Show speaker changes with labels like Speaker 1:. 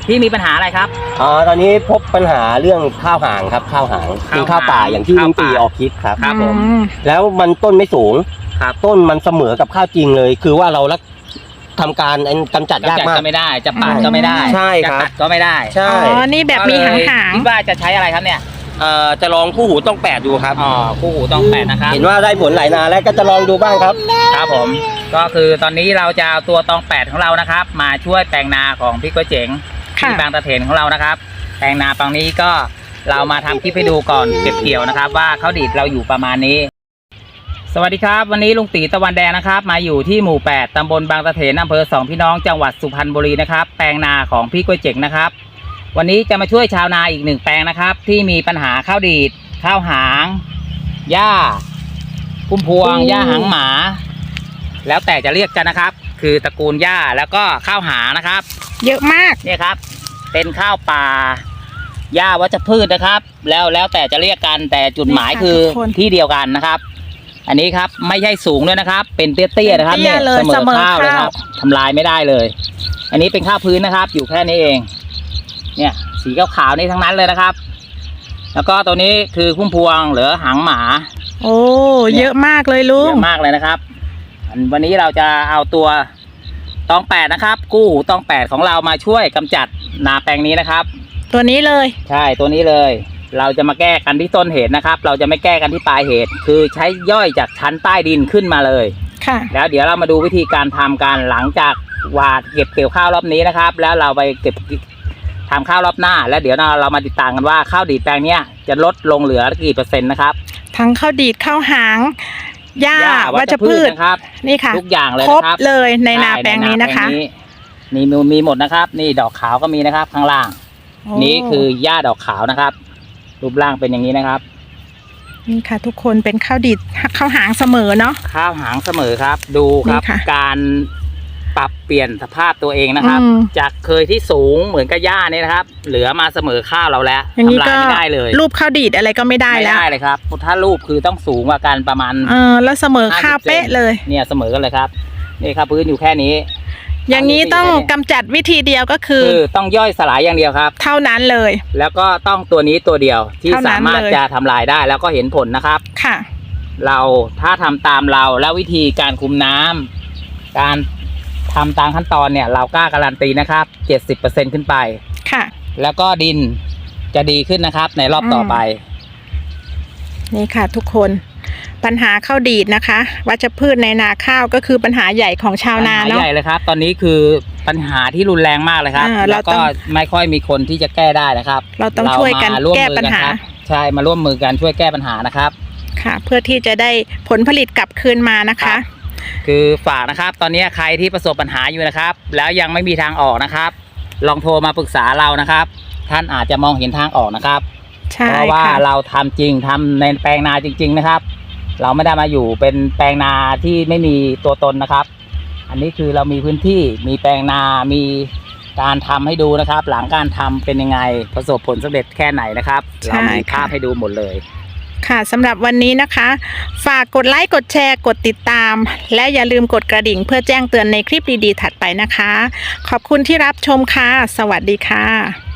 Speaker 1: พี่มีปัญหาอะไรครับ
Speaker 2: ตอนนี้พบปัญหาเรื่องข้าวหางครับข้าวหางกินข้าวป่าอย่างที่ลุงปีออกคลิปครับ
Speaker 1: ครับผม
Speaker 2: แล้วมันต้นไม่สูง
Speaker 1: ครับ
Speaker 2: ต้นมันเสมอกับข้าวจริงเลยคือว่าเราทำการกำจัดยากมาก
Speaker 1: ก็ไม่ได้จะปาดก็ไม่ได้
Speaker 2: ใช่ครับ
Speaker 1: จะตัดก็ไม่ได้
Speaker 2: ใช่
Speaker 3: นี่แบบมีหาง
Speaker 1: คิดว่าจะใช้อะไรครับเนี่ย
Speaker 2: จะลองคู่หูต้อง8ดูครับ
Speaker 1: คู่หูต้อง8นะครับ
Speaker 2: เห็นว่าได้ผลหลายนาแล้วก็จะลองดูบ้างครับ
Speaker 1: ครับผมก็คือตอนนี้เราจะเอาตัวตอง8ของเรานะครับมาช่วยแปลงนาของพี่ก๋วยเจ๋งที่บางตะเถนของเรานะครับแปลงนาฝั่งนี้ก็เรามาทำคลิปให้ดูก่อนเก็บเกี่ยวนะครับว่าข้าวดีดเราอยู่ประมาณนี้สวัสดีครับวันนี้ลุงตีตะวันแดงนะครับมาอยู่ที่หมู่8ตำบลบางตะเถนอำเภอ2พี่น้องจังหวัดสุพรรณบุรีนะครับแปลงนาของพี่ก๋วยเจ๋งนะครับวันนี้จะมาช่วยชาวนาอีก1แปลงนะครับที่มีปัญหาข้าวดีดข้าวหางหญ้าพุ่มพวงหญ้าหางหมาแล้วแต่จะเรียกกันนะครับคือตระกูลหญ้าแล้วก็ข้าวหางนะครับ
Speaker 3: เยอะมาก
Speaker 1: เนี่ยครับเป็นข้าวป่าหญ้าวัชพืชนะครับแล้วแต่จะเรียกกันแต่จุดหมายคือที่เดียวกันนะครับอันนี้ครับไม่ใช่สูงด้วยนะครับเป็นเตี้ยๆนะครับเนี่ยเสมอข้าวเลยครับทำลายไม่ได้เลยอันนี้เป็นข้าวพื้นนะครับอยู่แค่นี้เองเนี่ยสีขาวๆนี่ทั้งนั้นเลยนะครับแล้วก็ตัวนี้คือพุ่มพวงหรือหางหมา
Speaker 3: โอ้เยอะมากเลยลุง
Speaker 1: เยอะมากเลยนะครับวันนี้เราจะเอาตัวตอง8นะครับกู้หูตอง8ของเรามาช่วยกำจัดนาแปลงนี้นะครับ
Speaker 3: ตัวนี้เลย
Speaker 1: ใช่ตัวนี้เลยเราจะมาแก้กันที่ต้นเหตุนะครับเราจะไม่แก้กันที่ปลายเหตุคือใช้ย่อยจากชั้นใต้ดินขึ้นมาเลย
Speaker 3: ค่ะ
Speaker 1: แล้วเดี๋ยวเรามาดูวิธีการทำการหลังจากหว่านเก็บเกี่ยวข้าวรอบนี้นะครับแล้วเราไปเก็บทำข้าวรอบหน้าแล้วเดี๋ยวเรามาติดตามกันว่าข้าวดีดแปลงนี้จะลดลงเหลือกี่เปอร์เซ็นต์นะครับ
Speaker 3: ทั้งข้าวดีดข้าวหางหญ้าวัชพืช
Speaker 1: นะครับ
Speaker 3: นี่ค่ะ
Speaker 1: ทุกอย่างเลย
Speaker 3: ครบเลยในนาแปลงนี้นะคะ
Speaker 1: นี่มีหมดนะครับนี่ดอกขาวก็มีนะครับข้างล่างนี่คือหญ้าดอกขาวนะครับรูปร่างเป็นอย่างนี้นะครับ
Speaker 3: นี่ค่ะทุกคนเป็นข้าวดีดข้าวหางเสมอเนาะ
Speaker 1: ข้าวหางเสมอครับดูครับการปรับเปลี่ยนสภาพตัวเองนะครับจากเคยที่สูงเหมือนกับหญ้านี่นะครับเหลือมาเสมอข้าวเราแล้ว
Speaker 3: ทำลายไม่ได้เลยรูปข้าวดีดอะไรก็ไม่ได้แล้ว
Speaker 1: ไม่ได้เลยครับถ้ารูปคือต้องสูงกว่ากันประมาณ
Speaker 3: แล้วเสมอข้าวเป๊ะเลย
Speaker 1: เนี่ยเสมอกันเลยครับนี่ครับพื้นอยู่แค่นี้
Speaker 3: อย่างนี้ต้องกำจัดวิธีเดียวก็คือ
Speaker 1: ต้องย่อยสลายอย่างเดียวครับ
Speaker 3: เท่านั้นเลย
Speaker 1: แล้วก็ต้องตัวนี้ตัวเดียวที่สามารถจะทำลายได้แล้วก็เห็นผลนะครับ
Speaker 3: ค่ะ
Speaker 1: เราถ้าทำตามเราแล้ววิธีการคุมน้ำการทำตามขั้นตอนเนี่ยเรากล้าการันตีนะครับ 70% ขึ้นไป
Speaker 3: ค่ะ
Speaker 1: แล้วก็ดินจะดีขึ้นนะครับในรอบต่อไป
Speaker 3: นี่ค่ะทุกคนปัญหาข้าวดีดนะคะวัชพืชในนาข้าวก็คือปัญหาใหญ่ของชาวนาเนาะ
Speaker 1: ใหญ่เลยครับตอนนี้คือปัญหาที่รุนแรงมากเลยครับแล้วก็ไม่ค่อยมีคนที่จะแก้ได้นะครับ
Speaker 3: เราต้องช่วยกันแก้ปัญหา
Speaker 1: ใช่มาร่วมมือกันช่วยแก้ปัญหานะครับ
Speaker 3: ค่ะเพื่อที่จะได้ผลผลิตกลับคืนมานะคะ
Speaker 1: คือฝากนะครับตอนนี้ใครที่ประสบปัญหาอยู่นะครับแล้วยังไม่มีทางออกนะครับลองโทรมาปรึกษาเรานะครับท่านอาจจะมองเห็นทางออกนะครับเพราะว่าเราทำจริงทำในแปลงนาจริงๆนะครับเราไม่ได้มาอยู่เป็นแปลงนาที่ไม่มีตัวตนนะครับอันนี้คือเรามีพื้นที่มีแปลงนามีการทำให้ดูนะครับหลังการทำเป็นยังไงประสบผลสำเร็จแค่ไหนนะครับเรามีภาพให้ดูหมดเลย
Speaker 3: ค่ะสำหรับวันนี้นะคะฝากกดไลค์กดแชร์กดติดตามและอย่าลืมกดกระดิ่งเพื่อแจ้งเตือนในคลิปดีๆถัดไปนะคะขอบคุณที่รับชมค่ะสวัสดีค่ะ